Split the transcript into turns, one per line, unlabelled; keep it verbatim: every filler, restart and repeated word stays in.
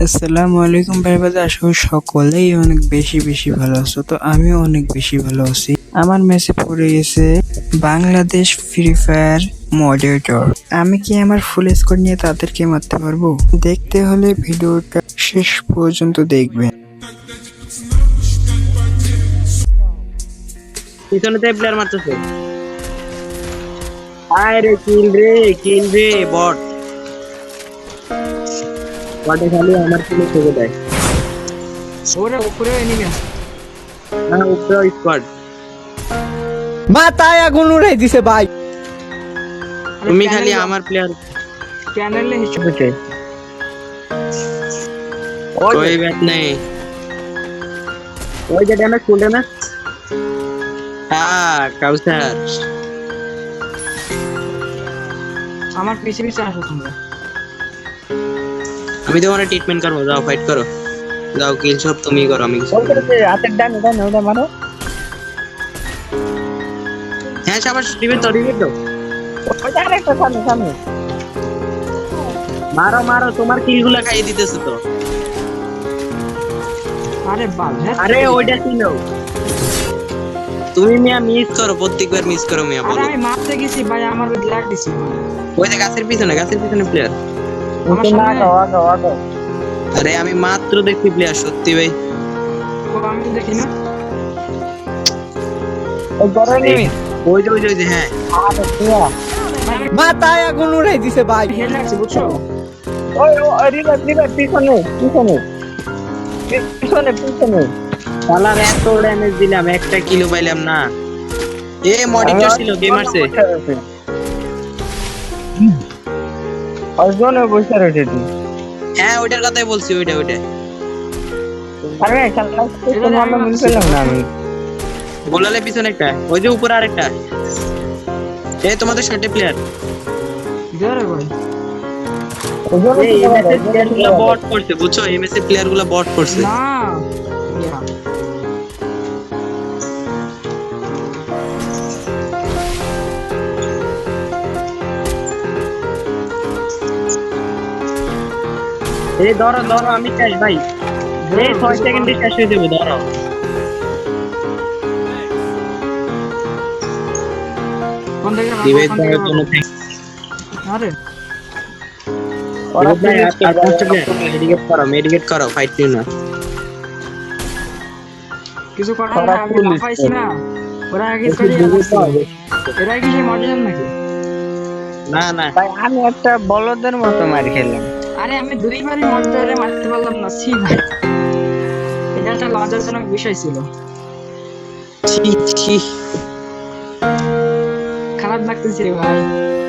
আসসালামু আলাইকুম ভাই বাদা, আশা করি সকলেই অনেক বেশি বেশি ভালো আছো। তো আমিও অনেক বেশি ভালো আছি। আমার মেসে পড়ে গেছে বাংলাদেশ ফ্রি ফায়ার মডারেটর। আমি কি আমার ফুল স্কোর নিয়ে তাদেরকে মারতে পারবো? দেখতে হলে ভিডিওটা শেষ পর্যন্ত দেখবেন।
পিছনে তো প্লেয়ার মারতেছে। আয় রে কিল রে কিল রে বট বটে খালি আমার কিলে থেকে দেয়।
ওরে উপরে এনিমি আছে।
না উপরে স্কোয়াড।
মাথায় আগুন উড়াই দিছে ভাই।
তুমি খালি আমার প্লেয়ার
চ্যানেলে হিসেবে
বুঝে कोई बात नहीं। ওই যে ড্যামেজ ফুল ড্যামেজ। হ্যাঁ কাউসার
আমার পিছে পিছে আসো তোমরা।
আমি তোমার ট্রিটমেন্ট করবো, যাও ফাইট করো, যাও কিল সব তুমি করো, আমি কিছু করবো না।
হাতের ডান ডান ওটা মারো।
হ্যাঁ সাবাস, রিভিউ তো রিভিউ তো
ওটা আরেকটা সামনে সামনে।
মারো মারো, তোমার কিলগুলো খাইয়ে দিতেছে তো।
আরে বাল হ্যাঁ।
আরে ওইটা ছিল, তুমি মিয়া মিস করো, প্রত্যেকবার মিস করো মিয়া।
আরে
বলো
আমি মারতে গেছি ভাই, আমার ওই লাগ দিছি।
ওই যে গাছের পিছনে, গাছের পিছনে প্লেয়ার।
আমার সামনে
আগো আগো আগো।
আরে আমি মাত্র দেখছি প্লেয়ার, সত্যি ভাই।
ও আমি তো দেখি না।
ওই বড় এনিমি।
ওই যে ওই যে ওই যে হ্যাঁ
আরে তুয়া। মাথায় আগুন উড়াই দিছে ভাই।
হেড লাগছে বুঝছো?
ওই ওই রিভার রিভার পিছনে পিছনে পিছনে পিছনে।
শালার এত ড্যামেজ দিলাম, একটা কিলো পাইলাম না। এ মডিটর ছিল, গেমারসে।
অজনে বসে রয়েছে তুই।
হ্যাঁ ওইটার কথাই বলছি, ওইটা ওইটা।
আরে শালা তো ভালো মনে পেলাম না আমি।
গোলালে পিছনে একটা, ওই যে উপরে আরেকটা। এ তোমাদের শর্টে প্লেয়ার।
জোরে ভাই।
ওজনে
এই এমএসএ প্লেয়ার গুলো বট করছে, বুঝছো? এমএসএ প্লেয়ার গুলো বট করছে।
না ইয়া
এই ধরো ধরো, আমি চাই ভাই। এই ছয় সেকেন্ডে শেষ হয়ে যাবে, ধরো।
কোন দিকে
ডিভাইস
কোন দিকে
দেওয়ার জন্য thanks।
আরে
ওরা ভাই আর পাঁচটা প্লেয়ার, মেডিকেট করো, মেডিকেট করো, ফাইট নিও না।
কিছু করার না, আমি লাফাইছি না। ওরা আগে চলে যাচ্ছে। এরা কি সেই মডেল নাকি?
না না
ভাই আমি একটা বলদের মতো মার খেলাম।
আরে আমি দুইবারই মডেলে মারতে পারলাম না। ছি ভাই, এটা একটা লজ্জাজনক বিষয় ছিল।
ছি ছি।
খারাপ লাগতেছে রে ভাই।